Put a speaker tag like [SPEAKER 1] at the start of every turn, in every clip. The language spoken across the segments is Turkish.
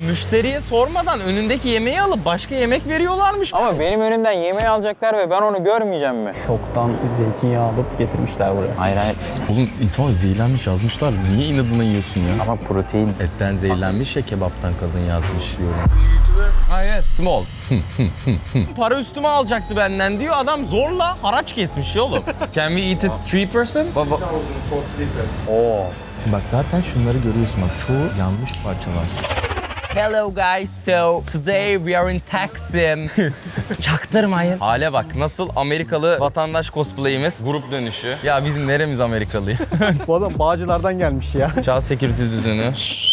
[SPEAKER 1] müşteriye sormadan önündeki yemeği alıp başka yemek veriyorlarmış.
[SPEAKER 2] Ama benim önümden yemeği alacaklar ve ben onu görmeyeceğim mi?
[SPEAKER 3] Şoktan zeytinyağı alıp getirmişler buraya.
[SPEAKER 2] Hayır hayır.
[SPEAKER 1] Oğlum insan zehirlenmiş yazmışlar. Niye inadına yiyorsun ya?
[SPEAKER 2] Ama protein.
[SPEAKER 1] Etten zehirlenmiş ya, kebaptan kadın yazmış yorum. Hayır, small. Para üstüme alacaktı benden diyor. Adam zorla haraç kesmiş ya oğlum. Can we eat it 3 person? Baba.
[SPEAKER 2] Oo.
[SPEAKER 1] Şimdi bak zaten şunları görüyorsun bak, çoğu yanmış parçalar. Hello guys, so today we are in Taksim. Çaktırmayın. Hale bak, nasıl Amerikalı vatandaş cosplay'imiz, grup dönüşü. Ya bizim neremiz Amerikalı ya?
[SPEAKER 3] Bu adam Bağcılar'dan gelmiş ya.
[SPEAKER 1] Child security düdüğünü.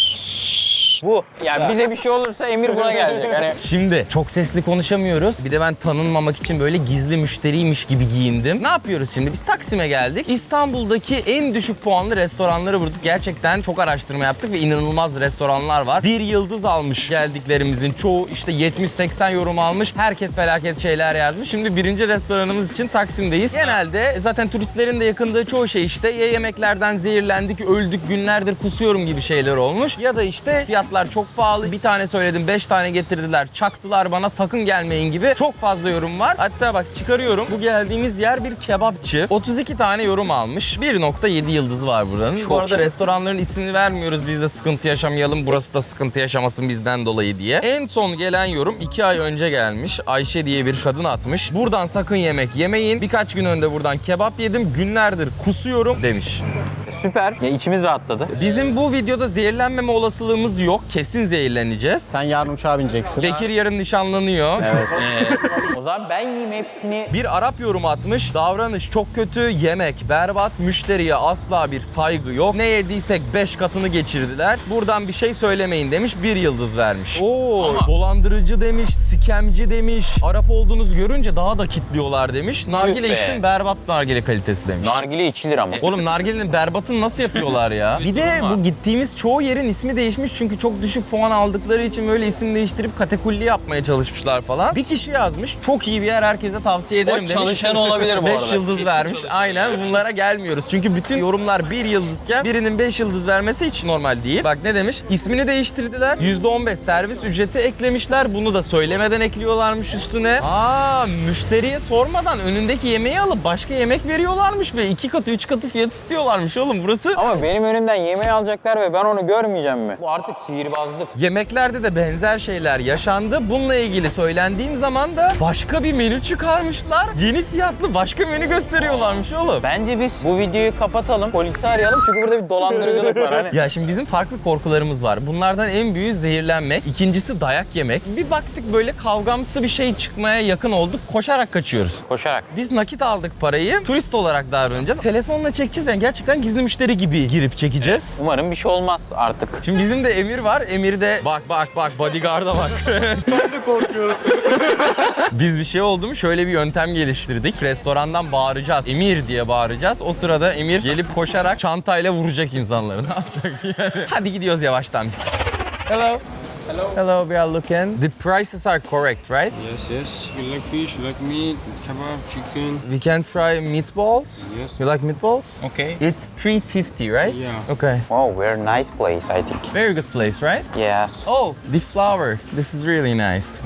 [SPEAKER 2] Bu. Ya bize bir şey olursa Emir buna gelecek. Hani
[SPEAKER 1] Şimdi çok sesli konuşamıyoruz. Bir de ben tanınmamak için böyle gizli müşteriymiş gibi giyindim. Ne yapıyoruz şimdi? Biz Taksim'e geldik. İstanbul'daki en düşük puanlı restoranları vurduk. Gerçekten çok araştırma yaptık ve inanılmaz restoranlar var. 1 yıldız almış geldiklerimizin çoğu, işte 70-80 yorum almış. Herkes felaket şeyler yazmış. Şimdi birinci restoranımız için Taksim'deyiz. Genelde zaten turistlerin de yakındığı çoğu şey işte ya yemeklerden zehirlendik, öldük, günlerdir kusuyorum gibi şeyler olmuş. Ya da işte fiyatlar çok pahalı. Bir tane söyledim, 5 tane getirdiler, çaktılar bana, sakın gelmeyin gibi çok fazla yorum var. Hatta bak çıkarıyorum. Bu geldiğimiz yer bir kebapçı. 32 tane yorum almış. 1.7 yıldızı var buranın. Bu arada restoranların ismini vermiyoruz. Biz de sıkıntı yaşamayalım. Burası da sıkıntı yaşamasın bizden dolayı diye. En son gelen yorum 2 ay önce gelmiş. Ayşe diye bir kadın atmış. Buradan sakın yemek yemeyin. Birkaç gün önce buradan kebap yedim. Günlerdir kusuyorum demiş.
[SPEAKER 2] süper. Ya içimiz rahatladı.
[SPEAKER 1] Bizim bu videoda zehirlenmeme olasılığımız yok. Kesin zehirleneceğiz.
[SPEAKER 3] Sen yarın uçağa bineceksin.
[SPEAKER 1] Bekir yarın nişanlanıyor.
[SPEAKER 2] Evet. O zaman ben yiyeyim hepsini.
[SPEAKER 1] Bir Arap yorum atmış. Davranış çok kötü, yemek berbat, müşteriye asla bir saygı yok. Ne yediysek 5 katını geçirdiler. Buradan bir şey söylemeyin demiş. 1 yıldız vermiş. Oo, dolandırıcı demiş, sikemci demiş. Arap olduğunuzu görünce daha da kitliyorlar demiş. Nargile
[SPEAKER 2] be.
[SPEAKER 1] içtim, berbat nargile kalitesi demiş.
[SPEAKER 2] Nargile içilir ama.
[SPEAKER 1] Oğlum nargilenin berbatını nasıl yapıyorlar ya? Bir de bu gittiğimiz çoğu yerin ismi değişmiş çünkü çok düşük puan aldıkları için böyle isim değiştirip katakulli yapmaya çalışmışlar falan. Bir kişi yazmış, çok iyi bir yer, herkese tavsiye ederim demiş.
[SPEAKER 2] çalışan olabilir bu
[SPEAKER 1] 5
[SPEAKER 2] arada.
[SPEAKER 1] yıldız vermiş. Aynen, bunlara gelmiyoruz. Çünkü bütün yorumlar 1 yıldızken birinin 5 yıldız vermesi hiç normal değil. Bak ne demiş? İsmini değiştirdiler. %15 servis ücreti eklemişler. Bunu da söylemeden ekliyorlarmış üstüne. Müşteriye sormadan önündeki yemeği alıp başka yemek veriyorlarmış ve 2 katı 3 katı fiyat istiyorlarmış oğlum burası.
[SPEAKER 2] Ama benim önümden yemeği alacaklar ve ben onu görmeyeceğim mi? Bu artık sihirbazlık.
[SPEAKER 1] Yemeklerde de benzer şeyler yaşandı. Bununla ilgili söylendiğim zaman da başka bir menü çıkarmışlar. Yeni fiyatlı başka menü gösteriyorlarmış oğlum.
[SPEAKER 2] Bence biz bu videoyu kapatalım, polisi arayalım çünkü burada bir dolandırıcılık var hani.
[SPEAKER 1] Ya şimdi bizim farklı korkularımız var. Bunlardan en büyüğü zehirlenmek. İkincisi dayak yemek. Bir baktık böyle kavgamsı bir şey çıkmaya yakın olduk. Koşarak kaçıyoruz.
[SPEAKER 2] Koşarak.
[SPEAKER 1] Biz nakit aldık parayı. Turist olarak davranacağız. Telefonla çekeceğiz, yani gerçekten gizli müşteri gibi girip çekeceğiz.
[SPEAKER 2] Umarım bir şey olmaz artık.
[SPEAKER 1] Şimdi bizim de Emir var. Emir de bak bodyguard'a bak.
[SPEAKER 3] Ben de korkuyorum.
[SPEAKER 1] Biz bir şey oldu mu şöyle bir yöntem geliştirdik. Restorandan bağıracağız. Emir diye bağıracağız. O sırada Emir gelip koşarak çantayla vuracak insanları. Ne yapacak yani? Hadi gidiyoruz yavaştan biz. Hello. Hello, we are looking. The prices are correct, right?
[SPEAKER 4] Yes, yes. You like fish, you like meat, kebab, chicken.
[SPEAKER 1] We can try meatballs.
[SPEAKER 4] Yes.
[SPEAKER 1] You like meatballs?
[SPEAKER 4] Okay.
[SPEAKER 1] It's $3.50, right?
[SPEAKER 4] Yeah.
[SPEAKER 1] Okay.
[SPEAKER 2] Oh, very nice place, I think.
[SPEAKER 1] Very good place, right?
[SPEAKER 2] Yes.
[SPEAKER 1] Oh, the flower. This is really nice.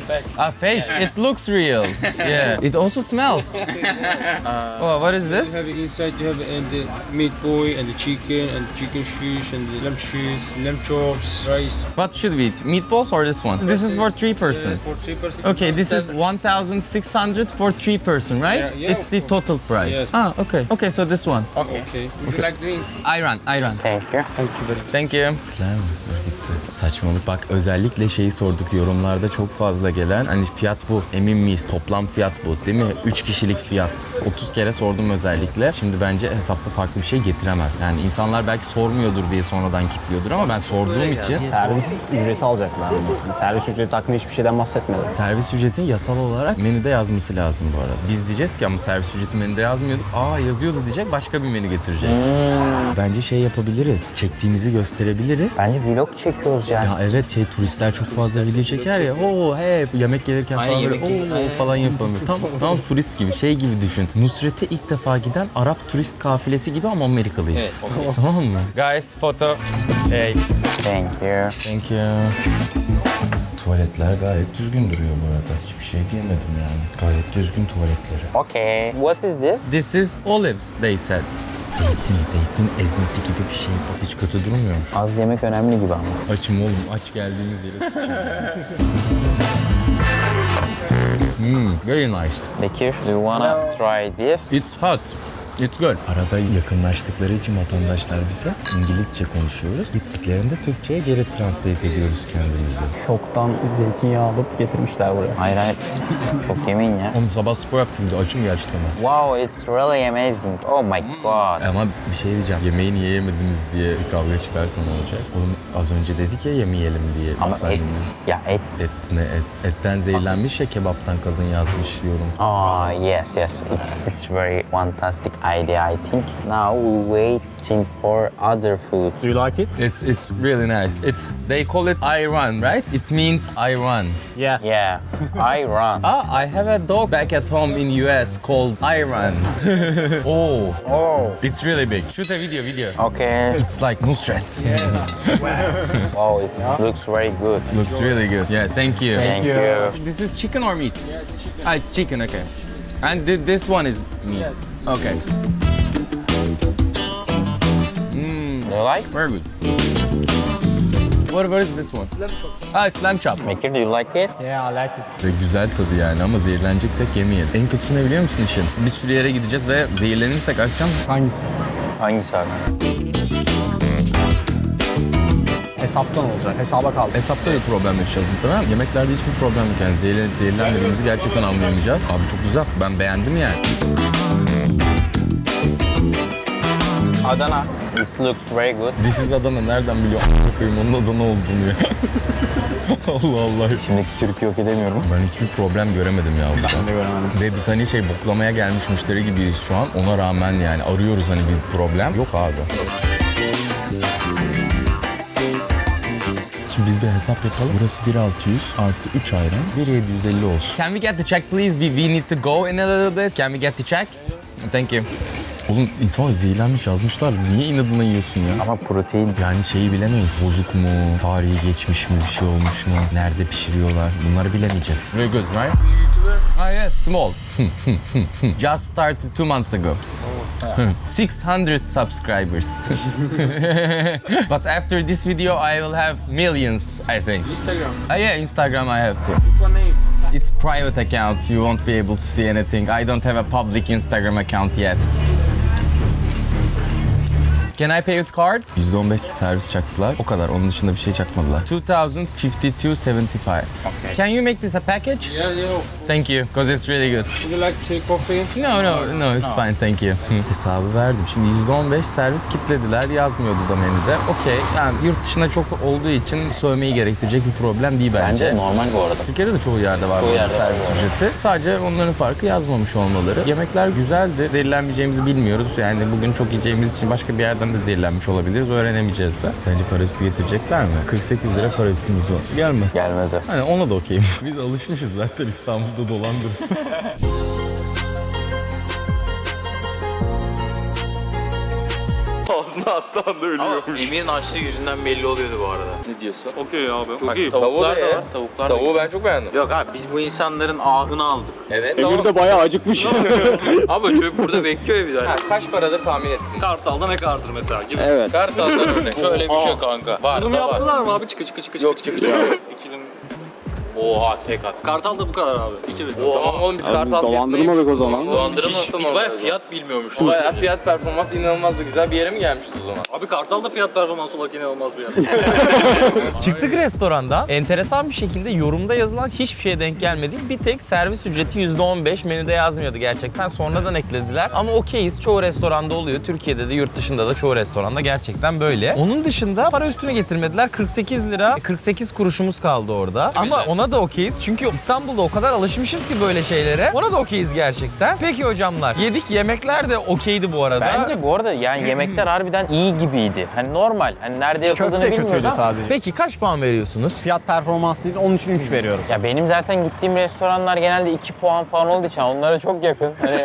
[SPEAKER 1] Fake. It looks real. Yeah. It also smells. Oh, what is
[SPEAKER 4] You
[SPEAKER 1] this?
[SPEAKER 4] have inside, you have the meat boy and the chicken shish and the lamb shish, lamb chops, rice.
[SPEAKER 1] What should we eat? Meatballs or this one? This is for 3 person.
[SPEAKER 4] Yes, for 3 person.
[SPEAKER 1] Okay, this is 1,600 for 3 person, right?
[SPEAKER 4] Yeah,
[SPEAKER 1] It's the total price.
[SPEAKER 4] Yes.
[SPEAKER 1] Okay. Okay, so this one.
[SPEAKER 4] Okay. Would you like drink?
[SPEAKER 1] Ayran.
[SPEAKER 2] Thank you.
[SPEAKER 4] Thank you very much.
[SPEAKER 1] Thank you. Saçmalık. Bak özellikle şeyi sorduk yorumlarda çok fazla gelen. Hani fiyat bu. Emin miyiz? Toplam fiyat bu. Değil mi? 3 kişilik fiyat. 30 kere sordum özellikle. Şimdi bence hesapta farklı bir şey getiremez. Yani insanlar belki sormuyordur diye sonradan kilitliyordur ama ben sorduğum için
[SPEAKER 3] Servis ücreti alacaklar ama. Servis ücreti hakkında hiçbir şeyden bahsetmedi.
[SPEAKER 1] servis ücretini yasal olarak menüde yazması lazım bu arada. Biz diyeceğiz ki ama servis ücreti menüde yazmıyorduk. Yazıyordu diyecek, başka bir menü getirecek. Bence şey yapabiliriz. Çektiğimizi gösterebiliriz.
[SPEAKER 2] Bence vlog çekiyoruz yani.
[SPEAKER 1] Ya evet, turistler çok fazla video çeker ya. Yemek gelirken falan böyle falan yapamıyor. Tam turist gibi, şey gibi düşün. Nusret'e ilk defa giden Arap turist kafilesi gibi ama Amerikalıyız. Tamam mı? Guys, photo. Hey.
[SPEAKER 2] Thank you.
[SPEAKER 1] Thank you. Tuvaletler gayet düzgün duruyor bu arada. Hiçbir şey diyemedim yani. Gayet düzgün tuvaletleri.
[SPEAKER 2] Okay. What is this?
[SPEAKER 1] This is olives, they said. Zeytin ezmesi gibi bir şey bu. Hiç kötü durmuyormuş.
[SPEAKER 2] Az yemek önemli gibi ama.
[SPEAKER 1] Açım oğlum, aç geldiğimiz yere sıçayım. Very nice.
[SPEAKER 2] Bekir, do you wanna try this?
[SPEAKER 1] It's hot. It's good. Arada yakınlaştıkları için vatandaşlar bize İngilizce konuşuyoruz. Gittiklerinde Türkçe'ye geri translate ediyoruz kendimizi.
[SPEAKER 3] Şoktan zeytinyağı alıp getirmişler buraya.
[SPEAKER 2] Hayır hayır. Çok yemeyin ya.
[SPEAKER 1] Oğlum sabah spor yaptım da açım gerçekten.
[SPEAKER 2] Wow, it's really amazing. Oh my god.
[SPEAKER 1] Ama bir şey diyeceğim. Yemeği niye yemediniz diye bir kavga çıkarsa ne olacak? Oğlum az önce dedik ya yemeyelim diye.
[SPEAKER 2] Ama et.
[SPEAKER 1] Müsaadenle.
[SPEAKER 2] Ya et.
[SPEAKER 1] Et ne et? Etten zehirlenmiş ya, kebaptan kadın yazmış yorum.
[SPEAKER 2] Ah yes. It's very fantastic idea I think. Now we waiting for other food.
[SPEAKER 3] Do you like it?
[SPEAKER 1] It's really nice. They call it Iran, right? It means Iran.
[SPEAKER 3] Yeah.
[SPEAKER 2] Yeah, I run.
[SPEAKER 1] I have a dog back at home in US called Iran. Oh,
[SPEAKER 2] Oh.
[SPEAKER 1] it's really big. Shoot a video.
[SPEAKER 2] Okay.
[SPEAKER 1] It's like Nusret.
[SPEAKER 2] Wow, it looks very good.
[SPEAKER 1] Looks really good. Yeah, thank you.
[SPEAKER 2] Thank you.
[SPEAKER 1] This is chicken or meat? Yeah, it's chicken. Ah, it's chicken, okay. And this one is meat? Yes. Okay.
[SPEAKER 2] Do you like?
[SPEAKER 1] Very good. What is this one? Lamb chop. Ah, it's lamb chop.
[SPEAKER 2] Bekir, do you like it?
[SPEAKER 3] Yeah, I like it.
[SPEAKER 1] Ve güzel tadı yani ama zehirleneceksek yemeyelim. En kötüsü ne biliyor musun işin? Bir sürü yere gideceğiz ve zehirlenirsek akşam
[SPEAKER 3] Hangisi?
[SPEAKER 2] Hangisi abi?
[SPEAKER 3] Hesaptan olacak. Hesaba kaldı.
[SPEAKER 1] hesapta bir problem yaşayacağız muhtemelen. Yemeklerde hiçbir problem yok yani. Zehirlenmediğimizi gerçekten anlayamayacağız. Abi çok güzel. Ben beğendim yani.
[SPEAKER 2] Adana. This looks very good.
[SPEAKER 1] This is Adana. Nereden biliyor a**ına koyayım onun Adana olduğunu ya. Allah Allah.
[SPEAKER 2] Şimdiki Türk'ü yok edemiyorum.
[SPEAKER 1] Ben hiçbir problem göremedim ya burada.
[SPEAKER 3] Ben de göremedim.
[SPEAKER 1] Ve biz hani boklamaya gelmiş müşteri gibiyiz şu an. Ona rağmen yani arıyoruz hani bir problem. Yok abi. Şimdi biz bir hesap yapalım. Burası 1.600 artı 3 ayran. 1.750 olsun. Can we get the check please? We need to go in a little bit. Can we get the check? Thank you. Oğlum insan zehirlenmiş yazmışlar. Niye inadına yiyorsun ya?
[SPEAKER 2] Ama protein.
[SPEAKER 1] Yani şeyi bilemeyiz. Bozuk mu? Tarihi geçmiş mi? Bir şey olmuş mu? Nerede pişiriyorlar? Bunları bilemeyeceğiz. Very good, right? Ah yes, small. Just started 2 months ago. 600 subscribers. But after this video, I will have millions, I think.
[SPEAKER 4] Instagram.
[SPEAKER 1] Yeah, Instagram I have too.
[SPEAKER 4] Which one is?
[SPEAKER 1] It's private account. You won't be able to see anything. I don't have a public Instagram account yet. Can I pay with card? %15 servis çaktılar. O kadar. Onun dışında bir şey çakmadılar. 2,052.75. Okay. Can you make this a package?
[SPEAKER 4] Yeah, yeah.
[SPEAKER 1] Thank you, because it's really good.
[SPEAKER 4] Would you like to take coffee?
[SPEAKER 1] No, it's fine, thank you. Hesabı verdim. Şimdi %15 servis kitlediler. Yazmıyordu da menüde. Okey. Yani yurt dışında çok olduğu için sövmeyi gerektirecek bir problem değil bence.
[SPEAKER 2] Bence normal bu arada.
[SPEAKER 1] Türkiye'de de çoğu yerde var
[SPEAKER 2] Çoğu
[SPEAKER 1] bu
[SPEAKER 2] yerde
[SPEAKER 1] servis
[SPEAKER 2] var.
[SPEAKER 1] ücreti. Sadece onların farkı yazmamış olmaları. Yemekler güzeldi. Zehirlenmeyeceğimizi bilmiyoruz. Yani bugün çok yiyeceğimiz için başka bir yerden de zehirlenmiş olabiliriz. Öğrenemeyeceğiz de. Sence para üstü getirecekler mi? 48 lira para üstümüz var. Gelmez.
[SPEAKER 2] Gelmez o.
[SPEAKER 1] Hani ona da okeyim. Biz alışmışız zaten İstanbul'da dolandır.
[SPEAKER 5] Ağzına attığı anda ölüyormuş.
[SPEAKER 2] Emir'in açlığı yüzünden belli oluyordu bu arada.
[SPEAKER 5] Ne diyorsun? Okey abi. Çok iyi.
[SPEAKER 2] Tavuklar da var. Tavuklar da
[SPEAKER 5] Tavuğu ben çok beğendim.
[SPEAKER 2] Yok abi biz bu insanların ahını aldık.
[SPEAKER 1] Evet.
[SPEAKER 3] Emir de bayağı acıkmış.
[SPEAKER 2] Abi çocuk burada bekliyor ya biz hani.
[SPEAKER 1] Kaç paradır tahmin etsin.
[SPEAKER 5] Kartal'da ne kartır mesela gibi.
[SPEAKER 3] Evet.
[SPEAKER 1] Kartal'dan örnek. Şöyle bir şey kanka. Var
[SPEAKER 5] Bunu
[SPEAKER 1] da var.
[SPEAKER 5] yaptılar mı abi? Çıkı. Yok çıkı. 2000. Oha tek at. Kartal'da bu kadar abi. 2000.
[SPEAKER 1] Tamam oğlum biz Kartal
[SPEAKER 3] Dolandırmadık o zaman.
[SPEAKER 1] Biz bayağı fiyat bilmiyormuşuz. Bayağı fiyat performans inanılmaz da güzel bir yere mi gelmişiz o zaman?
[SPEAKER 5] Abi Kartal'da fiyat performans olarak inanılmaz bir yer.
[SPEAKER 1] Çıktık restorandan. Enteresan bir şekilde yorumda yazılan hiçbir şeye denk gelmedik. Bir tek servis ücreti %15 menüde yazmıyordu gerçekten. Sonradan eklediler. Ama okeyiz. Çoğu restoranda oluyor. Türkiye'de de yurt dışında da çoğu restoranda gerçekten böyle. Onun dışında para üstüne getirmediler. 48 lira 48 kuruşumuz kaldı orada. Ama ona da okeyiz. Çünkü İstanbul'da o kadar alışmışız ki böyle şeylere. Ona da okeyiz gerçekten. Peki hocamlar. Yedik. Yemekler de okeydi bu arada.
[SPEAKER 2] Bence bu arada yani yemekler harbiden iyi gibiydi. Hani normal. Hani nerede yapıldığını
[SPEAKER 3] Köfte
[SPEAKER 2] bilmiyoruz
[SPEAKER 3] kötüydü
[SPEAKER 2] ama.
[SPEAKER 3] sadece.
[SPEAKER 1] Peki kaç puan veriyorsunuz?
[SPEAKER 3] Fiyat performans değil, onun için 3 veriyorum.
[SPEAKER 2] Ya benim zaten gittiğim restoranlar genelde 2 puan falan olduğu için onlara çok yakın. Hani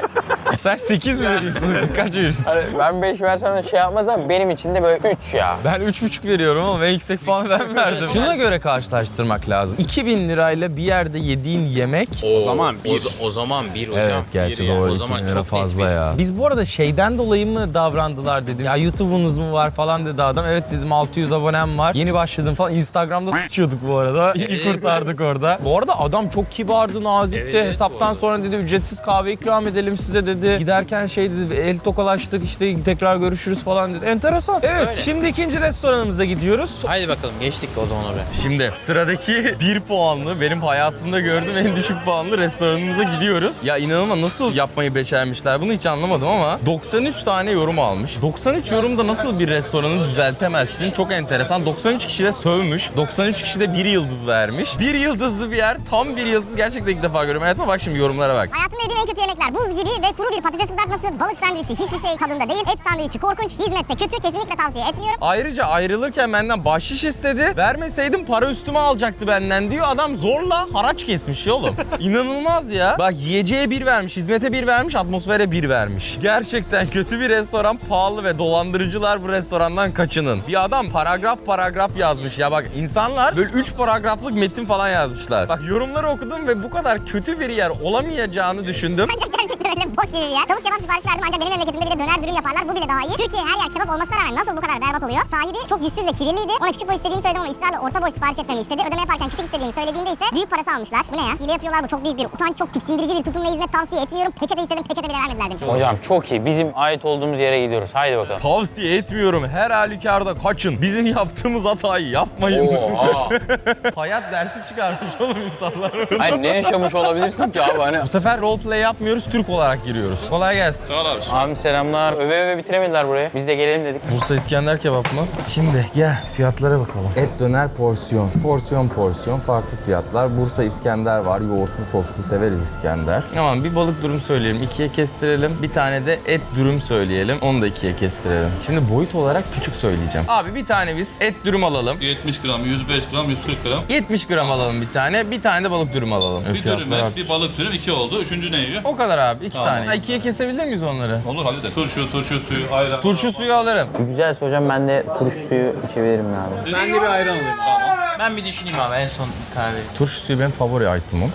[SPEAKER 1] Sen 8 mi veriyorsun? Kaç veriyorsun?
[SPEAKER 2] Hani ben 5 versem de şey yapmaz ama benim için de böyle 3 ya.
[SPEAKER 1] Ben 3,5 veriyorum ama en yüksek puan ben verdim. Şuna göre karşılaştırmak lazım. 2000 lirayla bir yerde yediğin yemek...
[SPEAKER 5] O zaman o zaman bir hocam.
[SPEAKER 1] Evet gerçi
[SPEAKER 5] Bir yani.
[SPEAKER 1] doğru.
[SPEAKER 5] O zaman
[SPEAKER 1] 2000 lira
[SPEAKER 5] çok
[SPEAKER 1] fazla
[SPEAKER 5] net bir.
[SPEAKER 1] ya. Biz bu arada şeyden dolayı mı davrandılar dedim. Ya YouTube'unuz mu var falan dedi adam. Evet dedim 600 abonem var. Yeni başladım falan. Instagram'da uçuyorduk bu arada. İyi kurtardık orada. Bu arada adam çok kibardı, nazikti.
[SPEAKER 5] Evet,
[SPEAKER 1] Hesaptan sonra dedi ücretsiz kahve ikram edelim size dedi. Giderken şey dedi el tokalaştık işte tekrar görüşürüz falan dedi. Enteresan. Evet şimdi ikinci restoranımıza gidiyoruz.
[SPEAKER 5] Haydi bakalım geçtik o zaman oraya.
[SPEAKER 1] Şimdi sıradaki 1 puanlı benim hayatımda gördüğüm en düşük puanlı restoranımıza gidiyoruz. Ya inanılmaz nasıl yapmayı becermişler bunu hiç anlamadım ama 93 tane yorum almış. 93 yorumda nasıl bir restoranı düzeltemezsin? Çok enteresan. 93 kişi de sövmüş. 93 kişi de 1 yıldız vermiş. 1 yıldızlı bir yer. Tam 1 yıldız gerçekten ilk defa görüyorum. Hayatıma bak şimdi yorumlara bak.
[SPEAKER 6] Hayatımda yediğim en kötü yemekler buz gibi ve kuru bir patates kızartması, balık sandviçi hiçbir şey tadında değil. Et sandviçi korkunç, hizmette kötü, kesinlikle tavsiye etmiyorum.
[SPEAKER 1] Ayrıca ayrılırken benden bahşiş istedi. Vermeseydim para üstüme alacaktı benden diyor. Adam zorla haraç kesmiş ya oğlum. İnanılmaz ya. Bak yiyeceğe 1 vermiş, hizmete 1 vermiş, atmosfere 1 vermiş. Gerçekten kötü bir restoran, pahalı ve dolandırıcılar bu restorandan kaçının. Bir adam paragraf yazmış ya bak insanlar böyle 3 paragraflık metin falan yazmışlar. Bak yorumları okudum ve bu kadar kötü bir yer olamayacağını düşündüm.
[SPEAKER 6] Ancak gerçekten öyle bok gibi bir yer. Tavuk kebap sipariş verdim ancak benim memleketimde bir de döner dürüm yaparlar. Bu bile daha iyi. Türkiye her yer kebap olmasına rağmen nasıl bu kadar berbat oluyor? Sahibi çok yüzsüz ve kibirliydi. Ona küçük boy istediğimi söyledim ama ısrarla orta boy sipariş etmemi istedi. Ödeme yaparken küçük istediğimi söylediğimde ise büyük parası almışlar. Bu ne ya? Hile yapıyorlar bu çok büyük bir utanç, çok tiksindirici bir tutum ve hizmet tavsiye etmiyorum. Peçete istedim, peçete bile vermediler demiş.
[SPEAKER 2] Hocam çok iyi. Bizim ait olduğumuz yere gidiyoruz. Haydi bakalım.
[SPEAKER 1] Tavsiye etmiyorum. Her halükarda kaçın. Bizim yaptığımız hatayı yapmayın.
[SPEAKER 2] Oha.
[SPEAKER 1] Hayat dersi çıkarmış oğlum insanlar.
[SPEAKER 2] Hayır ne yaşamış olabilirsin ki abi hani.
[SPEAKER 1] Bu sefer roleplay yapmıyoruz, Türk olarak giriyoruz. Kolay gelsin.
[SPEAKER 5] Sağ ol abi.
[SPEAKER 2] Abi selamlar. Öve öve bitiremediler burayı. Biz de gelelim dedik.
[SPEAKER 1] Bursa İskender kebap mı? Şimdi gel fiyatlara bakalım. Et döner porsiyon. Porsiyon farklı fiyatlar. Bursa İskender var. Yoğurtlu soslu severiz İskender. Tamam bir balık dürüm söyleyelim. 2'ye kestirelim. Bir tane de et dürüm söyleyelim. Onu da 2'ye kestirelim. Şimdi boyut olarak küçük söyleyeceğim. Abi bir tane biz et dürüm alalım.
[SPEAKER 7] 70 gram, 105 gram, 140 gram.
[SPEAKER 1] 70 gram alalım bir tane. Bir tane de balık dürüm alalım.
[SPEAKER 7] Bir dürüm et, bir balık dürüm, 2 oldu. Üçüncü ne yiyor?
[SPEAKER 1] O kadar abi. 2
[SPEAKER 7] Tamam.
[SPEAKER 1] tane. Ha, 2'ye kesebilir miyiz onları?
[SPEAKER 7] Olur hallederiz. Turşu suyu, ayran.
[SPEAKER 1] Turşu suyu alırım.
[SPEAKER 2] Güzelse hocam ben de turşu suyu içebilirim abi.
[SPEAKER 5] Ben de bir ayran alayım. Tamam. Ben bir düşüneyim abi en son karar vereyim.
[SPEAKER 1] Turşu suyu benim favori item'ım.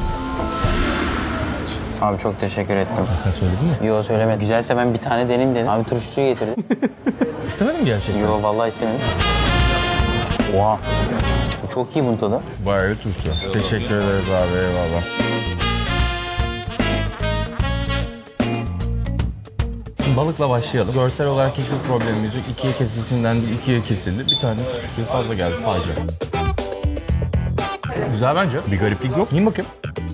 [SPEAKER 2] Abi çok teşekkür ettim.
[SPEAKER 1] Sen söyledin mi?
[SPEAKER 2] Yo söylemedim. Güzelse ben bir tane deneyim dedim. Abi turşu suyu getirdi.
[SPEAKER 1] İstemedin mi gerçekten?
[SPEAKER 2] Yo vallahi istemedim. Oha. Bu çok iyi bunun tadı.
[SPEAKER 1] Bayağı turşu. Teşekkür ederiz abi eyvallah. Şimdi balıkla başlayalım. Görsel olarak hiçbir problemimiz yok. 2'ye kesilsinden değil 2'ye kesildi. Bir tane turşu suyu fazla geldi sadece. Güzel bence. Bir gariplik yok. Yiyin bakayım.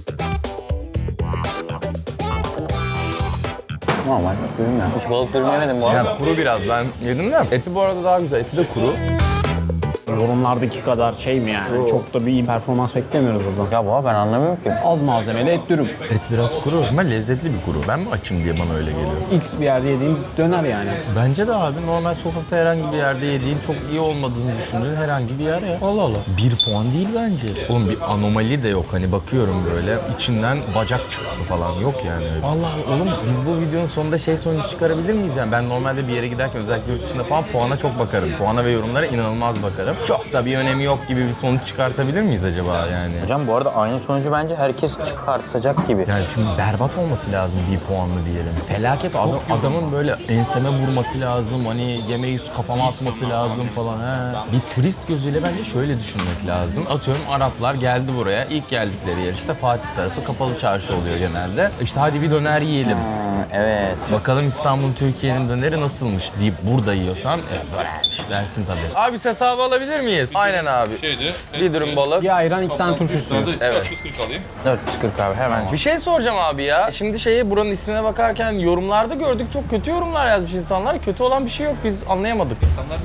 [SPEAKER 2] Normal dürüm ya. Hiç balık dürüm yemedim bu arada.
[SPEAKER 1] Yani kuru biraz. Ben yedim de. Eti bu arada daha güzel. Eti de kuru.
[SPEAKER 3] Yorumlardaki kadar şey mi yani? Çok da bir iyi performans beklemiyoruz buradan.
[SPEAKER 2] Ya baba ben anlamıyorum ki.
[SPEAKER 3] Az malzemeli et dürüm.
[SPEAKER 1] Et biraz kuru ama lezzetli bir kuru. Ben mi açım diye bana öyle geliyor.
[SPEAKER 3] X bir yerde yediğim döner yani.
[SPEAKER 1] Bence de abi normal sokakta herhangi bir yerde yediğin çok iyi olmadığını düşündüğün herhangi bir yer ya. Allah Allah. 1 puan değil bence. Oğlum bir anomali de yok hani bakıyorum böyle içinden bacak çıktı falan yok yani. Allah Allah oğlum biz bu videonun sonunda şey sonucu çıkarabilir miyiz yani? Ben normalde bir yere giderken özellikle yurt dışında falan puana çok bakarım. Puana ve yorumlara inanılmaz bakarım. Çok da bir önemi yok gibi bir sonuç çıkartabilir miyiz acaba yani?
[SPEAKER 2] Hocam bu arada aynı sonucu bence herkes çıkartacak gibi.
[SPEAKER 1] Yani çünkü berbat olması lazım 1 puanlı diyelim. Felaket adamın böyle enseme vurması lazım. Hani yemeği kafama atması lazım falan. He. Bir turist gözüyle bence şöyle düşünmek lazım. Atıyorum Araplar geldi buraya. İlk geldikleri yer işte Fatih tarafı kapalı çarşı oluyor genelde. İşte hadi bir döner yiyelim.
[SPEAKER 2] Evet.
[SPEAKER 1] Bakalım İstanbul Türkiye'nin döneri nasılmış deyip burada yiyorsan dönermiş dersin tabii. Abi hesabı alabilir miyiz? Aynen abi.
[SPEAKER 7] Şeydi.
[SPEAKER 1] Bir dürüm balık.
[SPEAKER 3] Bir ayran 2 tane turşu suyu.
[SPEAKER 1] Evet.
[SPEAKER 7] 440 alayım.
[SPEAKER 2] 440 abi hemen.
[SPEAKER 1] Bir şey soracağım abi ya. Şimdi buranın ismine bakarken yorumlarda gördük çok kötü yorumlar yazmış insanlar. Kötü olan bir şey yok biz anlayamadık.
[SPEAKER 7] İnsanlar bir garip.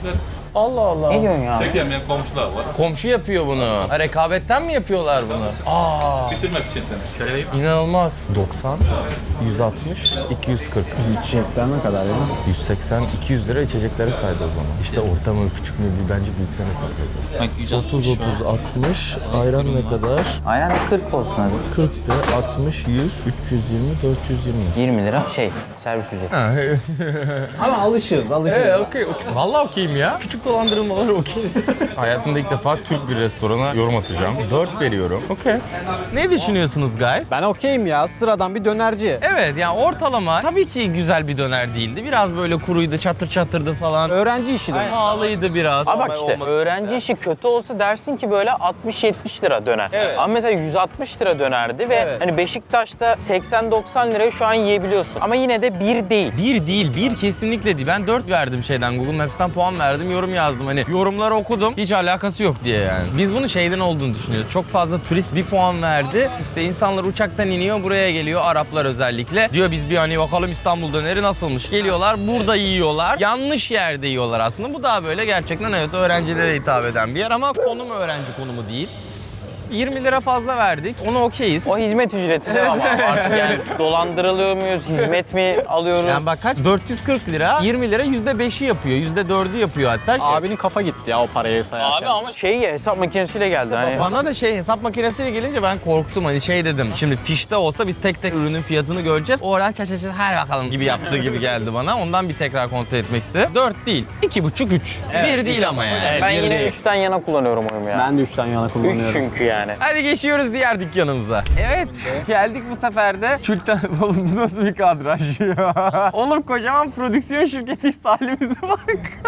[SPEAKER 1] Allah Allah.
[SPEAKER 2] Ne diyorsun ya?
[SPEAKER 7] Çekemeyen komşular var.
[SPEAKER 1] Komşu yapıyor bunu. Ha, rekabetten mi yapıyorlar bunu? Aa,
[SPEAKER 7] Bitirmek için seni. Şöyle bir
[SPEAKER 1] inanılmaz. 90, 160, 240.
[SPEAKER 3] İçecekler ne kadar ya?
[SPEAKER 1] 180, 200 lira içecekleri saydı o zaman. İşte orta mı küçük mü bence büyükten hesap ediyoruz. 30, 30, 60. Ayran ne kadar?
[SPEAKER 2] Aynen 40 olsun hadi.
[SPEAKER 1] 40 de 60, 100, 320, 420.
[SPEAKER 2] 20 lira servis ücreti.
[SPEAKER 1] Ha,
[SPEAKER 3] Ama alışırız.
[SPEAKER 1] okey. Vallahi okeyim ya. Küçük dolandırılmalar okey. Hayatımda ilk defa Türk bir restorana yorum atacağım. 4 veriyorum. Okey. Ne düşünüyorsunuz guys?
[SPEAKER 3] Ben okeyim ya. Sıradan bir dönerci.
[SPEAKER 1] Evet yani ortalama tabii ki güzel bir döner değildi. Biraz böyle kuruydu, çatır çatırdı falan.
[SPEAKER 3] Öğrenci işi de.
[SPEAKER 1] Pahalıydı biraz.
[SPEAKER 2] Ama bak işte öğrenci işi kötü olsa dersin ki böyle 60-70 lira döner.
[SPEAKER 1] Evet.
[SPEAKER 2] Ama mesela 160 lira dönerdi ve hani Beşiktaş'ta 80-90 liraya şu an yiyebiliyorsun. Ama yine de bir değil.
[SPEAKER 1] Bir değil, bir kesinlikle değil. Ben 4 verdim şeyden, Google Maps'ten puan verdim, yorum yazdım. Hani yorumları okudum, hiç alakası yok diye yani. Biz bunu şeyden olduğunu düşünüyoruz. Çok fazla turist bir puan verdi. İşte insanlar uçaktan iniyor, buraya geliyor, Araplar özellikle. Diyor biz bir hani bakalım İstanbul döneri nasılmış. Geliyorlar, burada yiyorlar. Yanlış yerde yiyorlar aslında. Bu daha böyle gerçekten evet öğrencilere hitap eden bir yer ama konum öğrenci konumu değil. 20 lira fazla verdik. Ona okeyiz.
[SPEAKER 2] O hizmet ücreti de ama artık yani dolandırılıyor muyuz, hizmet mi alıyoruz?
[SPEAKER 1] Yani bak kaç? 440 lira, 20 lira %5'i yapıyor, %4'ü yapıyor hatta.
[SPEAKER 3] Abinin kafa gitti ya o parayı sayarken.
[SPEAKER 2] Abi ama hesap makinesiyle geldi hani.
[SPEAKER 1] Bana da hesap makinesiyle gelince ben korktum hani dedim. Şimdi fişte olsa biz tek tek ürünün fiyatını göreceğiz. Oradan çaçaçı her bakalım gibi yaptığı gibi geldi bana. Ondan bir tekrar kontrol etmek istedim. 4 değil, 2,5 3. Bir değil ama yani.
[SPEAKER 2] Ben
[SPEAKER 1] Bir
[SPEAKER 2] yine
[SPEAKER 1] değil.
[SPEAKER 2] 3'ten yana kullanıyorum oyumu ya.
[SPEAKER 3] Ben de 3'ten yana
[SPEAKER 2] 3
[SPEAKER 3] kullanıyorum.
[SPEAKER 2] çünkü yani.
[SPEAKER 1] Hadi geçiyoruz diğer dükkanımıza. Evet. Geldik bu sefer de. Külten... Oğlum bu nasıl bir kadraj ya? Oğlum kocaman prodüksiyon şirketiyiz halimize bak.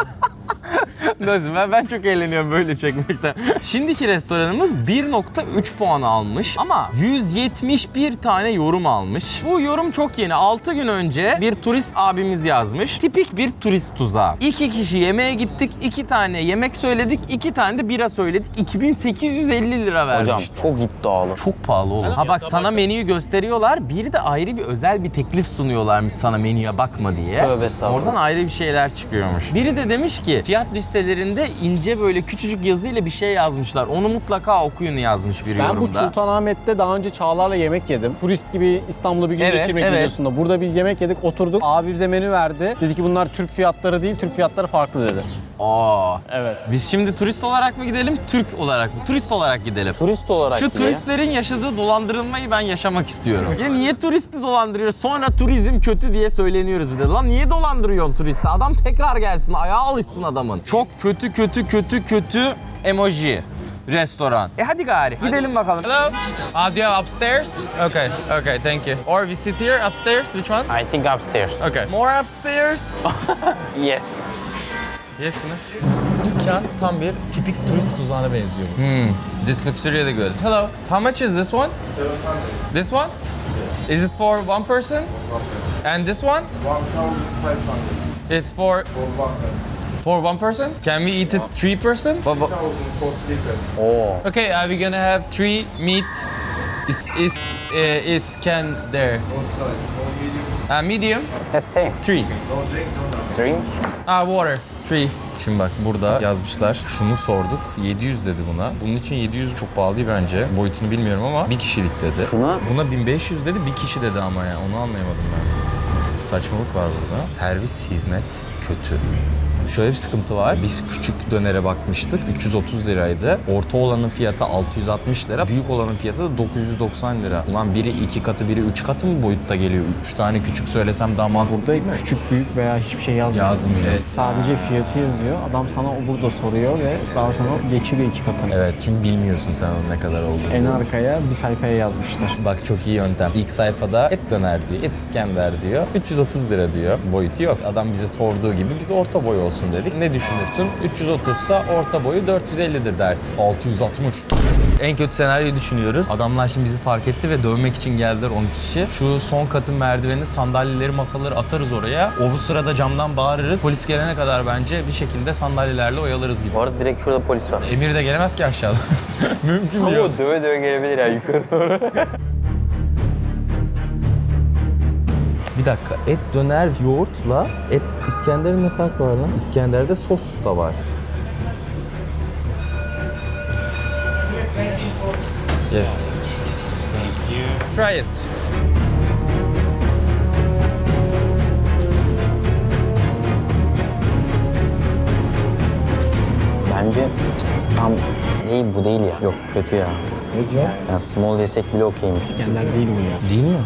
[SPEAKER 1] Nasıl? Ben çok eğleniyorum böyle çekmekten. Şimdiki restoranımız 1.3 puan almış ama 171 tane yorum almış. Bu yorum çok yeni. 6 gün önce bir turist abimiz yazmış. Tipik bir turist tuzağı. 2 kişi yemeğe gittik, 2 tane yemek söyledik, 2 tane de bira söyledik. 2850 lira vermiş.
[SPEAKER 2] Hocam çok iddialı.
[SPEAKER 1] Çok pahalı oğlum. Ha bak sana menüyü gösteriyorlar. Bir de ayrı bir özel bir teklif sunuyorlarmış sana menüye bakma diye.
[SPEAKER 2] Tövbe estağfurullah.
[SPEAKER 1] Oradan ayrı bir şeyler çıkıyormuş. Biri de demiş ki fiyat listelerinde ince böyle küçücük yazıyla bir şey yazmışlar. Onu mutlaka okuyun yazmış bir
[SPEAKER 3] Ben bu
[SPEAKER 1] yorumda.
[SPEAKER 3] Sultanahmet'te daha önce Çağlar'la yemek yedim. Turist gibi İstanbul'da bir gün
[SPEAKER 1] Evet,
[SPEAKER 3] geçirmek
[SPEAKER 1] evet.
[SPEAKER 3] videosunda. Burada bir yemek yedik, oturduk. Abi bize menü verdi. Dedi ki bunlar Türk fiyatları değil, Türk fiyatları farklı dedi.
[SPEAKER 1] Aa.
[SPEAKER 3] Evet.
[SPEAKER 1] Biz şimdi turist olarak mı gidelim, Türk olarak mı? Turist olarak gidelim.
[SPEAKER 2] Turist olarak
[SPEAKER 1] Şu
[SPEAKER 2] bile.
[SPEAKER 1] turistlerin yaşadığı dolandırılmayı ben yaşamak istiyorum. Ya niye turisti dolandırıyoruz? Sonra turizm kötü diye söyleniyoruz bir de. Lan niye dolandırıyorsun turisti? Adam tekrar gelsin, ayağa alışsın adamın. Çok kötü emoji. Restoran. Hadi gari. Gidelim bakalım. Hello. Do you have upstairs? Okay, thank you. Or we sit here upstairs? Which one?
[SPEAKER 2] I think upstairs.
[SPEAKER 1] Okay. More upstairs?
[SPEAKER 2] Yes.
[SPEAKER 1] Yes mi? Dükkan tam bir tipik turist tuzağına benziyor bu. This looks really good. Hello. How much is this one?
[SPEAKER 8] 700.
[SPEAKER 1] This one?
[SPEAKER 8] Yes.
[SPEAKER 1] Is it for one person?
[SPEAKER 8] 1 person.
[SPEAKER 1] And this one?
[SPEAKER 8] 1,500
[SPEAKER 1] It's for
[SPEAKER 8] for 1 person.
[SPEAKER 1] for one person? Can we eat it 3 person?
[SPEAKER 8] 1,000 for 3 person.
[SPEAKER 2] Oo.
[SPEAKER 1] Okay, are we gonna have 3 meat? Is can there?
[SPEAKER 8] What size? Small, medium?
[SPEAKER 1] Medium?
[SPEAKER 2] That's same.
[SPEAKER 1] 3.
[SPEAKER 8] No drink, no
[SPEAKER 2] Drink.
[SPEAKER 1] Water. 3. Şimdi bak burada yazmışlar. Şunu sorduk. 700 dedi buna. Bunun için 700 çok pahalı değil bence. Boyutunu bilmiyorum ama bir kişilik dedi.
[SPEAKER 2] Şuna-
[SPEAKER 1] Buna 1500 dedi. Bir kişi dedi ama ya. Onu anlayamadım ben. Bir saçmalık var burada. Servis hizmet kötü. Şöyle bir sıkıntı var. Biz küçük dönere bakmıştık. 330 liraydı. Orta olanın fiyatı 660 lira. Büyük olanın fiyatı da 990 lira. Ulan biri 2 katı, biri 3 katı mı boyutta geliyor? 3 tane küçük söylesem daha mantıklı.
[SPEAKER 3] Burada küçük, büyük veya hiçbir şey yazmıyor.
[SPEAKER 1] Yazmıyor.
[SPEAKER 3] Sadece fiyatı yazıyor. Adam sana o burada soruyor ve daha sonra geçiriyor 2 katını.
[SPEAKER 1] Evet, çünkü bilmiyorsun sen onun ne kadar olduğunu.
[SPEAKER 3] En arkaya bir sayfaya yazmışlar.
[SPEAKER 1] Bak çok iyi yöntem. İlk sayfada et döner diyor, et İskender diyor. 330 lira diyor. Boyutu yok. Adam bize sorduğu gibi biz orta boy olsun dedik. Ne düşünürsün? 330 ise orta boyu 450'dir dersin. 660. En kötü senaryoyu düşünüyoruz. Adamlar şimdi bizi fark etti ve dövmek için geldiler 10 kişi. Şu son katın merdivenini, sandalyeleri, masaları atarız oraya. O bu sırada camdan bağırırız. Polis gelene kadar bence bir şekilde sandalyelerle oyalarız gibi.
[SPEAKER 2] Bu arada direkt şurada polis var.
[SPEAKER 1] Emir de gelemez ki aşağıda. Mümkün
[SPEAKER 2] Ama
[SPEAKER 1] değil.
[SPEAKER 2] o döve döve gelebilir ya yukarı doğru.
[SPEAKER 1] Bir dakika, et döner yoğurtla et İskender'in ne farkı var lan? İskender'de sos da var. Yes.
[SPEAKER 4] Thank you.
[SPEAKER 1] Try it.
[SPEAKER 2] Bence tam değil, bu değil ya. Yok, kötü ya.
[SPEAKER 3] Ne diyor?
[SPEAKER 2] Yani small desek bile okeymiş.
[SPEAKER 3] İskender değil bu ya.
[SPEAKER 1] Değil mi?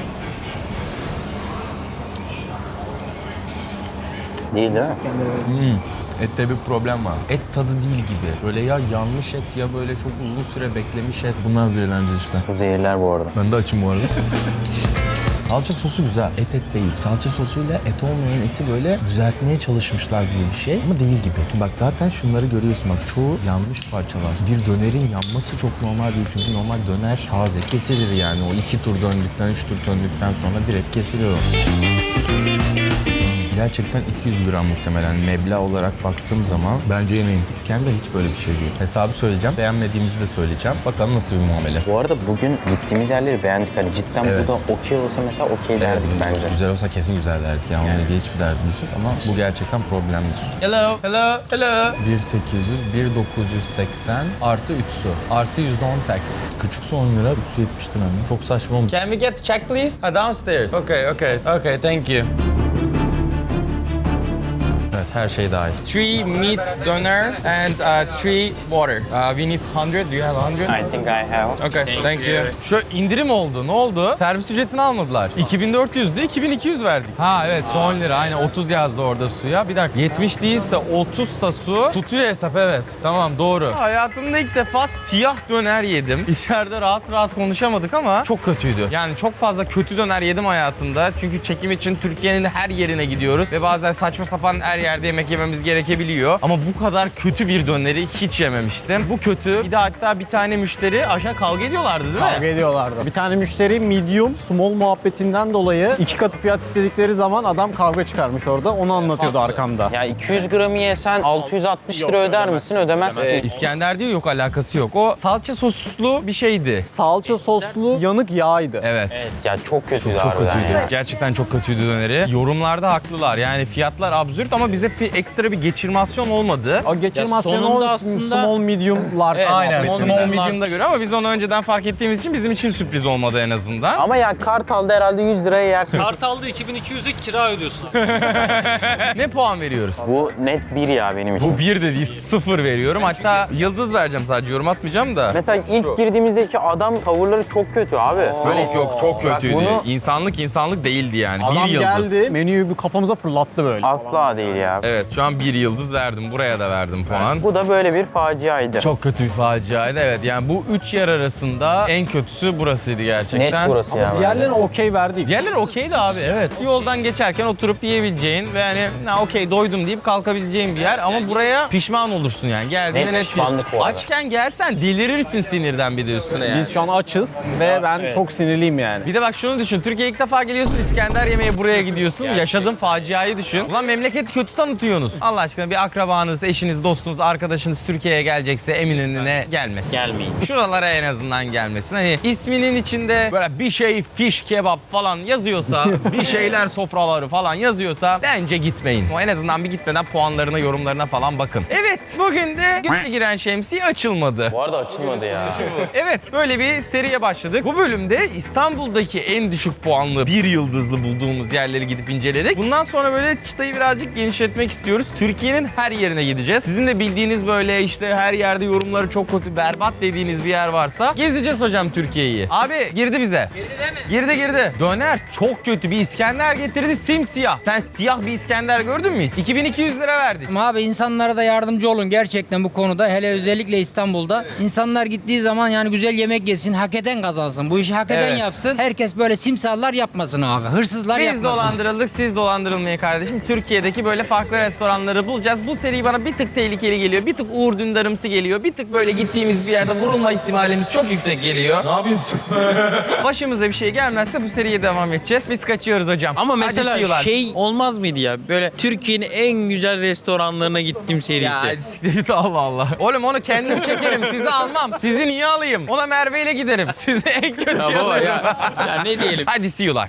[SPEAKER 2] Değil mi?
[SPEAKER 1] Ette bir problem var. Et tadı değil gibi. Böyle ya yanmış et ya böyle çok uzun süre beklemiş et. Bunlar zehirleneceğiz işte.
[SPEAKER 2] Bu zehirler bu arada.
[SPEAKER 1] Ben de açım bu arada. Salça sosu güzel. Et değil. Salça sosuyla et olmayan eti böyle düzeltmeye çalışmışlar gibi bir şey ama değil gibi. Bak zaten şunları görüyorsun bak çoğu yanmış parçalar. Bir dönerin yanması çok normal değil çünkü normal döner taze kesilir yani. O 2 tur döndükten 3 tur döndükten sonra direkt kesiliyor o. Gerçekten 200 gram muhtemelen meblağ olarak baktığım zaman bence yemeyin. İskender hiç böyle bir şey değil. Hesabı söyleyeceğim. Beğenmediğimizi de söyleyeceğim. Bakalım nasıl bir muamele.
[SPEAKER 2] Bu arada bugün gittiğimiz yerleri beğendik. Hani cidden
[SPEAKER 1] Evet.
[SPEAKER 2] bu da okey olsa mesela okey derdik bence.
[SPEAKER 1] Güzel olsa kesin güzel derdik ya. Onunla ilgili hiçbir derdimiz yok ama bu gerçekten problemli. Hello, hello, hello. 1800, 1980 artı 3 su. Artı %10 tax. Küçük su 10 lira, 3 su 70 lira. Çok saçma olmuş. Can we get check please? Downstairs. Okay, thank you. Evet, her şey dahil. 3 meat doner and 3 water. We need 100. Do you have 100?
[SPEAKER 2] I think I have.
[SPEAKER 1] Okay, thank you. Şu indirim oldu. Ne oldu? Servis ücretini almadılar. 2400'dü, 2200 verdik. Ha evet, son 10 lira. Aynen 30 yazdı orada suya. Bir dakika. 70 değilse 30'sa su tutuyor hesap evet. Tamam doğru. Hayatımda ilk defa siyah döner yedim. İçeride rahat rahat konuşamadık ama çok kötüydü. Yani çok fazla kötü döner yedim hayatımda. Çünkü çekim için Türkiye'nin her yerine gidiyoruz ve bazen saçma sapan her yerde yemek yememiz gerekebiliyor. Ama bu kadar kötü bir döneri hiç yememiştim. Bu kötü. Bir de hatta bir tane müşteri aşağı kavga ediyorlardı değil mi?
[SPEAKER 3] Kavga ediyorlardı. Bir tane müşteri medium, small muhabbetinden dolayı 2 katı fiyat istedikleri zaman adam kavga çıkarmış orada. Onu anlatıyordu arkamda.
[SPEAKER 2] Ya 200 gramı yesen 660 lira öder misin? Ödemezsin.
[SPEAKER 1] İskender diyor yok alakası yok. O salça soslu bir şeydi.
[SPEAKER 3] Salça soslu yanık yağydı.
[SPEAKER 1] Evet.
[SPEAKER 2] Evet ya çok kötüydü
[SPEAKER 1] Çok
[SPEAKER 2] harbiden
[SPEAKER 1] kötüydü.
[SPEAKER 2] ya.
[SPEAKER 1] Gerçekten çok kötüydü döneri. Yorumlarda haklılar. Yani fiyatlar absürt ama bize ekstra bir geçirmasyon olmadı.
[SPEAKER 3] O geçirmasyon
[SPEAKER 2] sonunda
[SPEAKER 3] o
[SPEAKER 2] aslında-
[SPEAKER 3] small, medium, large.
[SPEAKER 1] Aynen.
[SPEAKER 3] muhabbeti.
[SPEAKER 1] Small medium'da göre ama biz onu önceden fark ettiğimiz için bizim için sürpriz olmadı en azından.
[SPEAKER 2] Ama ya Kartal'da herhalde 100 liraya yersin.
[SPEAKER 5] Kartal'da 2200'e kira ödüyorsun.
[SPEAKER 1] Ne puan veriyoruz?
[SPEAKER 2] Bu net 1 ya benim için.
[SPEAKER 1] Bu 1 de değil 0 veriyorum. Hatta yıldız vereceğim sadece yorum atmayacağım da.
[SPEAKER 2] Mesela ilk girdiğimizdeki adam tavırları çok kötü abi.
[SPEAKER 1] Yok çok
[SPEAKER 2] Bak
[SPEAKER 1] kötüydü.
[SPEAKER 2] bunu-
[SPEAKER 1] İnsanlık değildi yani.
[SPEAKER 3] Adam
[SPEAKER 1] Bir yıldız.
[SPEAKER 3] geldi, menüyü bir kafamıza fırlattı böyle.
[SPEAKER 2] Asla değil ya.
[SPEAKER 1] Evet şu an 1 yıldız verdim. Buraya da verdim puan.
[SPEAKER 2] Bu da böyle bir faciaydı.
[SPEAKER 1] Çok kötü bir faciaydı evet. Yani bu 3 yer arasında en kötüsü burasıydı gerçekten.
[SPEAKER 2] Net burası ya.
[SPEAKER 3] Diğerlerine okey verdik.
[SPEAKER 1] Diğerleri okeydi abi evet. Yoldan geçerken oturup yiyebileceğin ve hani okey doydum deyip kalkabileceğin bir yer ama buraya pişman olursun yani. Geldiğinde
[SPEAKER 2] Net pişmanlık bu arada.
[SPEAKER 1] Açken gelsen delirirsin sinirden bir de üstüne yani.
[SPEAKER 3] Biz şu an açız ve ben çok sinirliyim yani.
[SPEAKER 1] Bir de bak şunu düşün. Türkiye'ye ilk defa geliyorsun İskender yemeye buraya gidiyorsun. Yaşadığın faciayı düşün. Ulan memleketi kötü tanıtıyorsunuz. Allah aşkına bir akrabanız, eşiniz, dostunuz, arkadaşınız Türkiye'ye gelecekse Eminönü'ne gelmesin.
[SPEAKER 5] Gelmeyin.
[SPEAKER 1] Şuralara en azından gelmesin. Hani isminin içinde böyle bir şey fiş kebap falan yazıyorsa, bir şeyler sofraları falan yazıyorsa bence gitmeyin. O en azından bir gitmeden puanlarına, yorumlarına falan bakın. Evet, bugün de güne giren şemsiye açılmadı.
[SPEAKER 2] Bu arada açılmadı ya.
[SPEAKER 1] Evet, böyle bir seriye başladık. Bu bölümde İstanbul'daki en düşük puanlı 1 yıldızlı bulduğumuz yerleri gidip inceledik. Bundan sonra böyle çıtayı birazcık genişletmek istiyoruz. Türkiye'nin her yerine gideceğiz. Sizin de bildiğiniz böyle işte her yerde yorumları çok kötü, berbat dediğiniz bir yer varsa gezeceğiz hocam Türkiye'yi. Abi girdi bize. Girdi değil mi? Girdi. Döner çok kötü. Bir İskender getirdi simsiyah. Sen siyah bir İskender gördün mü hiç? 2200 lira verdik.
[SPEAKER 9] Abi insanlara da yardımcı olun gerçekten bu konuda. Hele özellikle İstanbul'da. İnsanlar gittiği zaman yani güzel yemek yesin, hak eden kazansın. Bu işi hak eden
[SPEAKER 1] Evet.
[SPEAKER 9] yapsın. Herkes böyle simsallar yapmasın abi. Hırsızlar
[SPEAKER 1] Biz
[SPEAKER 9] yapmasın.
[SPEAKER 1] dolandırıldık, siz dolandırılmayın kardeşim. Türkiye'deki böyle farklı restoranları bulacağız. Bu seri bana bir tık tehlikeli geliyor. Bir tık Uğur Dündarımsı geliyor. Bir tık böyle gittiğimiz bir yerde vurulma ihtimalimiz çok yüksek geliyor. Ne yapıyorsun? Başımıza bir şey gelmezse bu seriye devam edeceğiz. Biz kaçıyoruz hocam.
[SPEAKER 10] Ama
[SPEAKER 1] Hadi
[SPEAKER 10] mesela
[SPEAKER 1] see you'lar.
[SPEAKER 10] şey olmaz mıydı ya? Böyle Türkiye'nin en güzel restoranlarına gittim serisi.
[SPEAKER 1] Ya siktir Allah Allah. Oğlum onu kendim çekerim. Sizi almam. Sizi niye alayım? Ona Merve ile giderim. Sizi en kötü
[SPEAKER 10] Ya baba ya. Ya ne diyelim?
[SPEAKER 1] Hadi see you'lar.